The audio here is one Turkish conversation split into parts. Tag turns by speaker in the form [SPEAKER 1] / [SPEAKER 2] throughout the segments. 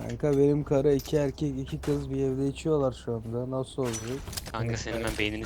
[SPEAKER 1] Kanka benim karı iki erkek iki kız bir evde içiyorlar şu anda. Nasıl olacak?
[SPEAKER 2] Kanka senin ben beynini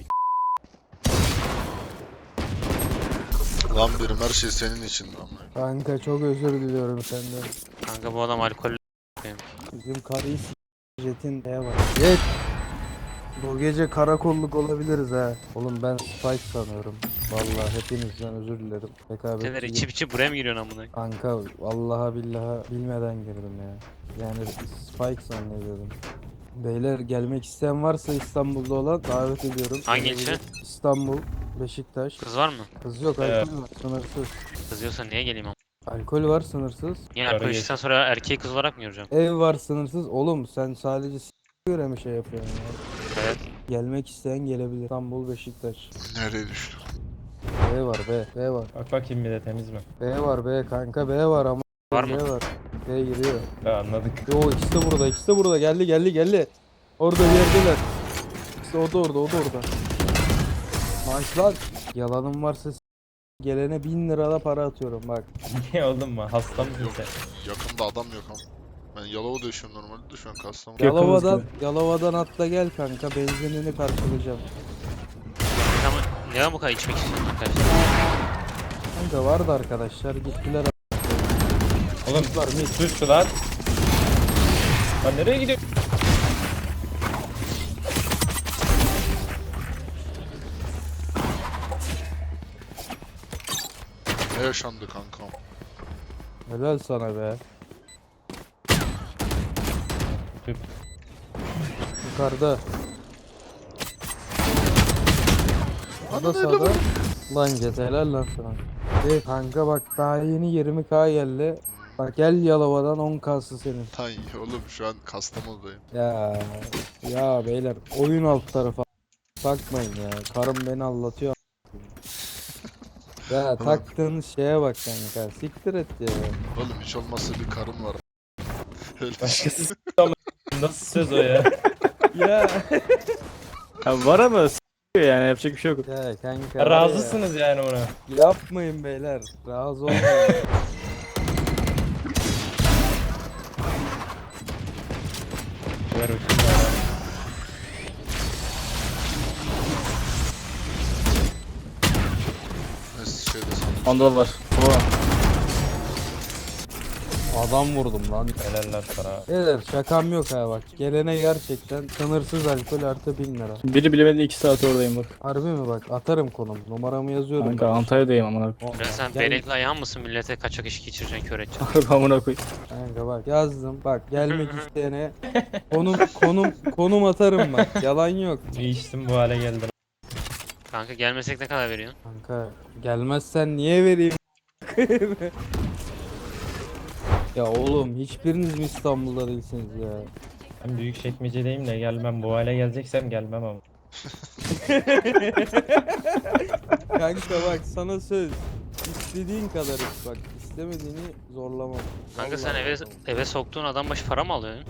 [SPEAKER 3] Lan birim her şey senin için lan.
[SPEAKER 1] Kanka çok özür diliyorum senden.
[SPEAKER 2] Kanka bu adam alkollü.
[SPEAKER 1] Bizim karıyı Jet'in neye var? Jet! Bu gece karakolluk olabiliriz ha. Oğlum ben Spike sanıyorum. Vallahi hepinizden özür dilerim.
[SPEAKER 2] Neler
[SPEAKER 1] Rekabetçi
[SPEAKER 2] içip içip buraya mı giriyorsun amına?
[SPEAKER 1] kanka vallahi billahi bilmeden girdim ya. Yani Spike zannediyordum. Beyler gelmek isteyen varsa İstanbul'da olan davet ediyorum.
[SPEAKER 2] Hangi ilçe?
[SPEAKER 1] İstanbul, Beşiktaş.
[SPEAKER 2] Kız var mı?
[SPEAKER 1] Kız yok, alkol var sınırsız.
[SPEAKER 2] Kız diyorsa niye geleyim ama?
[SPEAKER 1] Alkol var sınırsız.
[SPEAKER 2] Niye alkol içtikten sonra erkeği kız olarak mı göreceğim?
[SPEAKER 1] Ev var sınırsız. Oğlum sen sadece göre mi şey yapıyorsun ya?
[SPEAKER 2] Evet.
[SPEAKER 1] Gelmek isteyen gelebilir. İstanbul, Beşiktaş.
[SPEAKER 3] Nereye düştü?
[SPEAKER 1] B var B. B var.
[SPEAKER 4] Bak bakayım bir de temiz mi?
[SPEAKER 1] B var B kanka B var ama.
[SPEAKER 2] Var mı?
[SPEAKER 1] B var. B giriyor.
[SPEAKER 4] Ha, anladık.
[SPEAKER 1] Yo ikisi de burada. İkisi de burada. Geldi. Orada bir yerdeler. İşte o da orada. Nice lan. Yalanım varsa gelene 1000 lirada para atıyorum bak.
[SPEAKER 4] Niye oğlum mu? Hasta mısın sen?
[SPEAKER 3] Yakında adam yok ama. Ben Yalova'da yaşıyorum normalde de şu an Kastamonu.
[SPEAKER 1] Yalova'dan atla gel kanka, benzinini karşılayacağım.
[SPEAKER 2] Ama neden bu kadar içmek istiyorsun arkadaşlar?
[SPEAKER 1] Kanka vardı arkadaşlar gittiler.
[SPEAKER 4] Oğlum
[SPEAKER 1] Var mı?
[SPEAKER 4] sus lan. Lan nereye gidiyorsun?
[SPEAKER 3] Ne yaşandı kankam?
[SPEAKER 1] Helal sana be.
[SPEAKER 4] Tüp.
[SPEAKER 1] Yukarıda. Sağda sağda. Lan Cet helal lan sana. Kanka bak daha yeni 20k geldi. Bak gel Yalova'dan 10k'sı senin.
[SPEAKER 3] Tan oğlum şu an Kastamonu'dayım.
[SPEAKER 1] Ya beyler oyun alt tarafı. Bakmayın ya. Karım beni aldatıyor. Ya taktığın şeye bak kanka. Siktir et ya.
[SPEAKER 3] Oğlum hiç olmazsa bir karım var. Öyle
[SPEAKER 4] Başkası ama nasıl söz o ya?
[SPEAKER 1] Ya.
[SPEAKER 5] Ya var ama s***yor yani yapacak bir şey yok.
[SPEAKER 1] Ya kanka. var ya.
[SPEAKER 4] Razısınız yani ona.
[SPEAKER 1] Yapmayın beyler. Razı olmayın.
[SPEAKER 4] Ver bakayım bana.
[SPEAKER 3] Neyse şeyde sandım.
[SPEAKER 5] Onda var. Oha.
[SPEAKER 1] Adam vurdum lan.
[SPEAKER 4] Helaller sana.
[SPEAKER 1] Beyler şakam yok ha bak. Gelene gerçekten sınırsız alkol artı 1000 lira.
[SPEAKER 5] Biri bilemedi 2 saat oradayım bak.
[SPEAKER 1] Harbi mi bak, atarım konum. Numaramı yazıyorum.
[SPEAKER 5] Kanka
[SPEAKER 1] ben.
[SPEAKER 5] Antalya'dayım amına koyayım.
[SPEAKER 2] Ben sen
[SPEAKER 1] Gel-
[SPEAKER 2] berekli ayağın mısın millete kaçak iş geçireceksin kör edeceksin.
[SPEAKER 5] Harbi amına koyayım.
[SPEAKER 1] Kanka bak yazdım. Bak gelmek isteyene konum atarım bak. Yalan yok.
[SPEAKER 4] Bir içtim bu hale geldim.
[SPEAKER 2] Kanka gelmesek ne kadar veriyorsun?
[SPEAKER 1] Kanka gelmezsen niye vereyim? Ya oğlum hiçbiriniz mi İstanbul'da değilsiniz ya?
[SPEAKER 4] Ben büyük çekmecedeyim de gelmem. Bu hale geleceksem gelmem ama.
[SPEAKER 1] Kanka bak sana söz. İstediğin kadar iç bak. İstemediğini zorlamam.
[SPEAKER 2] Kanka sen
[SPEAKER 1] Vallahi
[SPEAKER 2] eve
[SPEAKER 1] zorlamam.
[SPEAKER 2] eve soktuğun adam başı para mı alıyorsun?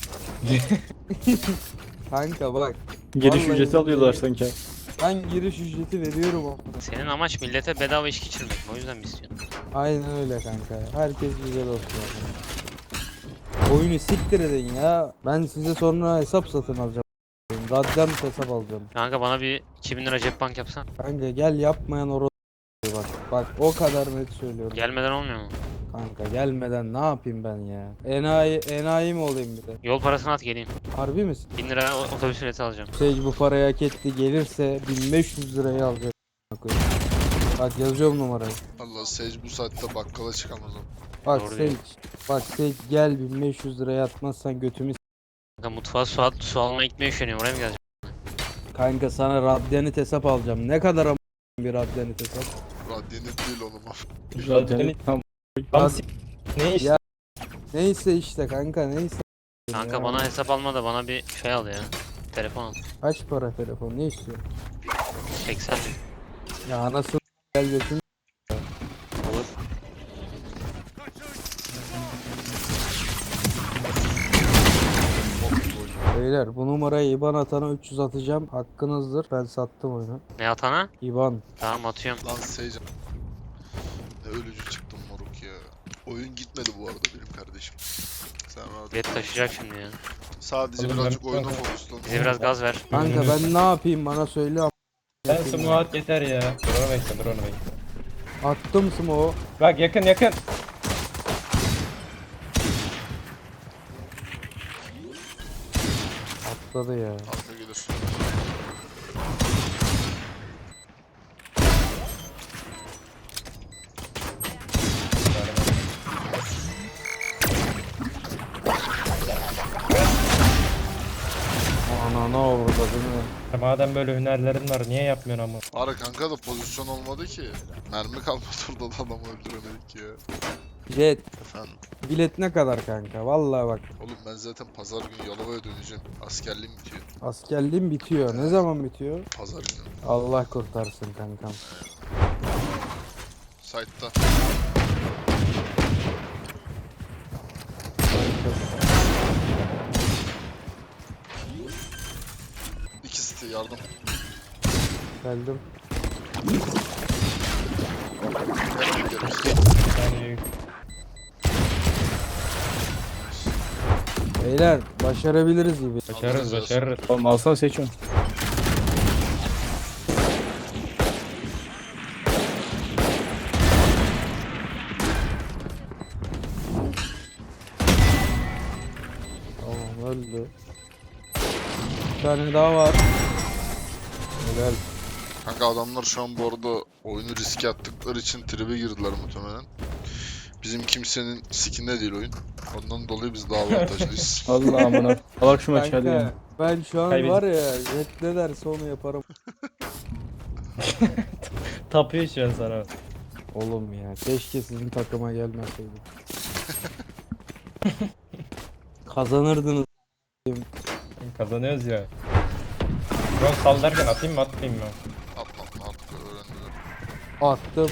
[SPEAKER 1] Kanka bak.
[SPEAKER 5] Giriş
[SPEAKER 1] Vallahi
[SPEAKER 5] ücreti alıyorlar
[SPEAKER 1] billahi.
[SPEAKER 5] sanki.
[SPEAKER 1] Ben giriş ücreti veriyorum ama.
[SPEAKER 2] Senin amaç millete bedava iş geçirmek mi? O yüzden mi istiyorsun?
[SPEAKER 1] Aynen öyle kanka. Herkes güzel olsun. Oyunu siktir edin ya. Ben size sonra hesap satın alacağım. Radyant hesap alacağım.
[SPEAKER 2] Kanka bana bir 2000 lira cep bank yapsan.
[SPEAKER 1] Kanka gel yapmayan bak. Bak o kadar net söylüyorum.
[SPEAKER 2] Gelmeden olmuyor mu?
[SPEAKER 1] Kanka gelmeden ne yapayım ben ya? Enayi mi olayım bir de?
[SPEAKER 2] Yol parasını at geleyim.
[SPEAKER 1] Harbi misin?
[SPEAKER 2] 1000 lira otobüs bileti alacağım.
[SPEAKER 1] Sage bu parayı hak etti. Gelirse 1500 lirayı alacak. Bak yazıyorum numarayı.
[SPEAKER 3] Allah Sage bu saatte bakkala çıkamaz o.
[SPEAKER 1] Bak
[SPEAKER 2] Doğru
[SPEAKER 1] Sage.
[SPEAKER 2] diyor.
[SPEAKER 1] Bak Sage gel 1500 liraya atmazsan götümü
[SPEAKER 2] Kanka mutfağa su almaya gitmeye üşeniyorum. Oraya mı geleceğim?
[SPEAKER 1] Kanka sana radyanit hesap alacağım. Ne kadar bir radyanit hesap?
[SPEAKER 3] Radyanit değil oğlum.
[SPEAKER 5] Zaten tam
[SPEAKER 4] Tam ne iş?
[SPEAKER 1] Ya. Neyse işte kanka neyse.
[SPEAKER 2] Kanka
[SPEAKER 1] Ya.
[SPEAKER 2] bana hesap alma da bana bir şey al ya. Telefon al.
[SPEAKER 1] Kaç para telefon ne istiyorsun?
[SPEAKER 2] 80 bin.
[SPEAKER 1] Ya anasını gel götünü.
[SPEAKER 2] Olur.
[SPEAKER 1] Beyler bu numarayı IBAN atana 300 atacağım. Hakkınızdır. Ben sattım oyunu.
[SPEAKER 2] Ne atana?
[SPEAKER 1] IBAN.
[SPEAKER 2] Tamam atıyorum.
[SPEAKER 3] Lan Sage. Ne ölücü çıktım moruk ya. Oyun gitmedi bu arada benim kardeşim. Sen rahat ol.
[SPEAKER 2] Bilet taşıyacak şimdi ya.
[SPEAKER 3] Sadece
[SPEAKER 4] Oğlum
[SPEAKER 3] birazcık
[SPEAKER 4] ben-
[SPEAKER 3] oyuna fokuslan.
[SPEAKER 2] Bize biraz gaz ver.
[SPEAKER 1] Kanka ben ne yapayım bana söyle.
[SPEAKER 4] Sen smoke at yeter ya. Dur onu bekle, dur onu bekle.
[SPEAKER 1] Attım smoke'u.
[SPEAKER 4] Bak yakın yakın.
[SPEAKER 1] Atladı ya.
[SPEAKER 3] Arka gelir.
[SPEAKER 1] Ana ne oldu değil mi?
[SPEAKER 4] Madem böyle hünerlerin var niye yapmıyorsun ama?
[SPEAKER 3] Ara kanka da pozisyon olmadı ki. Mermi kalmadı orada da adamı öldüremedik ya.
[SPEAKER 1] Jet
[SPEAKER 3] Efendim.
[SPEAKER 1] bilet ne kadar kanka? Vallahi bak
[SPEAKER 3] Oğlum ben zaten pazar günü Yalova'ya döneceğim. Askerliğim bitiyor.
[SPEAKER 1] askerliğim bitiyor. Ne zaman bitiyor?
[SPEAKER 3] Pazar günü.
[SPEAKER 1] Allah kurtarsın kankam.
[SPEAKER 3] Site'da. İkisi de yardım.
[SPEAKER 1] Geldim.
[SPEAKER 3] Yardım gelir.
[SPEAKER 4] Yani
[SPEAKER 1] Beyler başarabiliriz gibi.
[SPEAKER 4] başarırız başarırız.
[SPEAKER 5] Oğlum alsana seç onu.
[SPEAKER 1] Tamam öldü. Bir tane daha var. Helal.
[SPEAKER 3] Kanka adamlar şu an bu arada oyunu riske attıkları için tribe girdiler muhtemelen. Bizim kimsenin sikinde değil oyun. Ondan dolayı biz daha avantajlıyız.
[SPEAKER 5] Allah amına. Alak şu maçı hadi ya.
[SPEAKER 1] Kanka ben şu an
[SPEAKER 4] Kaybettik.
[SPEAKER 1] var ya Jet ne derse onu yaparım.
[SPEAKER 4] Tapıyor şu an sana.
[SPEAKER 1] Oğlum ya keşke sizin takıma gelmeseydim. Kazanırdınız.
[SPEAKER 4] Kazanıyoruz ya. Yok sal derken atayım mı atmayayım mı?
[SPEAKER 3] Atma artık öğrendiler.
[SPEAKER 1] Attım.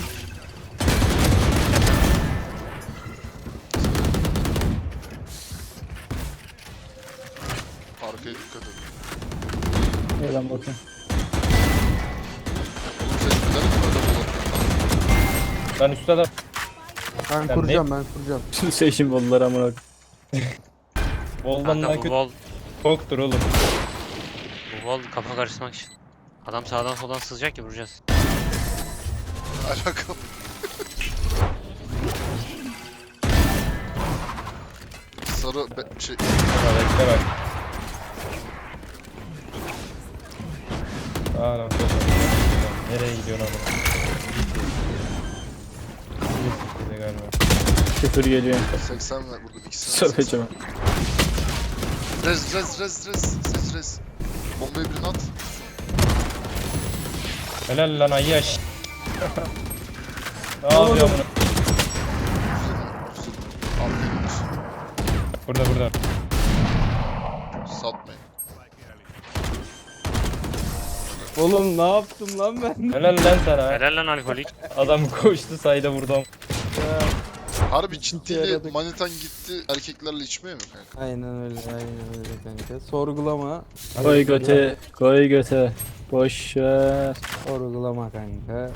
[SPEAKER 3] Arkaya dikkat edin.
[SPEAKER 5] Neden bakayım.
[SPEAKER 3] Oğlum sen gider mi öyle bulanıktan?
[SPEAKER 4] Ben üstte de
[SPEAKER 1] Ben
[SPEAKER 4] ne-
[SPEAKER 1] kuracağım ben kuracağım.
[SPEAKER 5] Şimdi seçim bolları amına.
[SPEAKER 4] Volvan'dan
[SPEAKER 2] Kanka bu
[SPEAKER 4] kötü
[SPEAKER 2] wall,
[SPEAKER 4] çoktur oğlum.
[SPEAKER 2] bu wall kafa karıştırmak için. Adam sağdan soldan sızacak ki vuracağız.
[SPEAKER 3] Alakalı. Sarı şey
[SPEAKER 4] Bak bekle bak. Aa lan nereye gidiyorsun oğlum? Gitti galiba.
[SPEAKER 5] Küfür geliyor.
[SPEAKER 3] 80 ve burada ikisini
[SPEAKER 5] Söyleyeceğim.
[SPEAKER 3] Rez. Bombayı birine at.
[SPEAKER 4] Helal lan ayyaş. Ne yapıyor bunu?
[SPEAKER 3] Arkaya gelir.
[SPEAKER 4] Burada.
[SPEAKER 3] Satmayın.
[SPEAKER 1] Oğlum ne yaptım lan ben?
[SPEAKER 4] Helal lan sana.
[SPEAKER 2] Helal lan alkolik.
[SPEAKER 4] Adam koştu sayda vurdum.
[SPEAKER 3] Harbi ciddiyle
[SPEAKER 1] yaradık.
[SPEAKER 3] manitan gitti erkeklerle içmeye mi kanka?
[SPEAKER 1] Aynen öyle kanka. Sorgulama.
[SPEAKER 5] Koy göte. Koy göte. Boş ver.
[SPEAKER 1] Sorgulama kanka.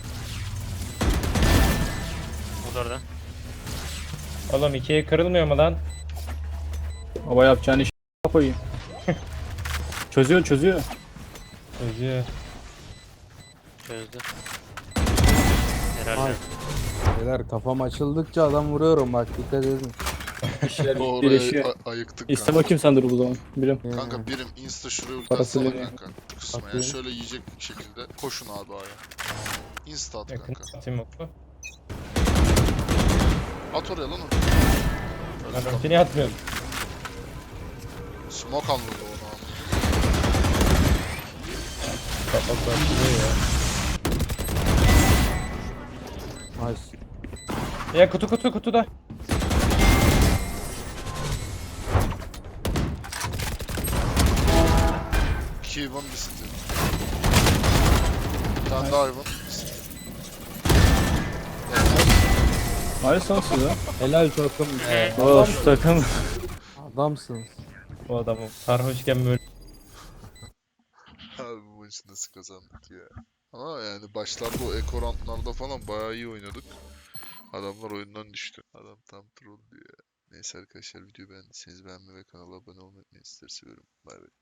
[SPEAKER 2] O da orada.
[SPEAKER 4] Oğlum ikiye kırılmıyor mu lan?
[SPEAKER 5] Baba yapacağın iş koyayım. Çözüyor.
[SPEAKER 4] Çözüyor.
[SPEAKER 2] Çözdü. Herhalde.
[SPEAKER 1] Ay. Beyler kafam açıldıkça adam vuruyorum bak dikkat edin.
[SPEAKER 3] Orayı
[SPEAKER 5] Birleşiyor.
[SPEAKER 3] ayıktık
[SPEAKER 5] İste
[SPEAKER 3] kanka.
[SPEAKER 5] bakayım sen dur bu zaman. Birim.
[SPEAKER 3] Kanka birim insta şuraya ulti
[SPEAKER 5] Parası
[SPEAKER 3] atsana
[SPEAKER 5] veriyor.
[SPEAKER 3] kanka. Kısma yani
[SPEAKER 1] Atayım.
[SPEAKER 3] şöyle yiyecek şekilde koşun abi aya. Insta at
[SPEAKER 4] Yakın
[SPEAKER 3] kanka.
[SPEAKER 4] atayım oku.
[SPEAKER 3] At oraya lan onu. Öyle
[SPEAKER 4] Ben
[SPEAKER 3] kal.
[SPEAKER 4] ultini atmıyorum.
[SPEAKER 3] Smoke anladı onu abi.
[SPEAKER 4] Kapak başlıyor ya.
[SPEAKER 1] Nice.
[SPEAKER 4] Ya kutuda.
[SPEAKER 3] İki Ivan bir city. Bir tane daha Ivan.
[SPEAKER 5] Hayır son size.
[SPEAKER 1] Helal takım.
[SPEAKER 5] Oo şu takım.
[SPEAKER 1] Adamsınız.
[SPEAKER 4] Bu adamı sarhoşken böyle.
[SPEAKER 3] Abi bu maçı nasıl kazandık ya. Ama yani başlarda o eko roundlarda falan bayağı iyi oynadık. Adamlar oyundan düştü. Adam tam troll diyor ya. Neyse arkadaşlar videoyu beğendiyseniz beğenmeyi ve kanala abone olmayı unutmayın. Sizleri seviyorum. Bay bay.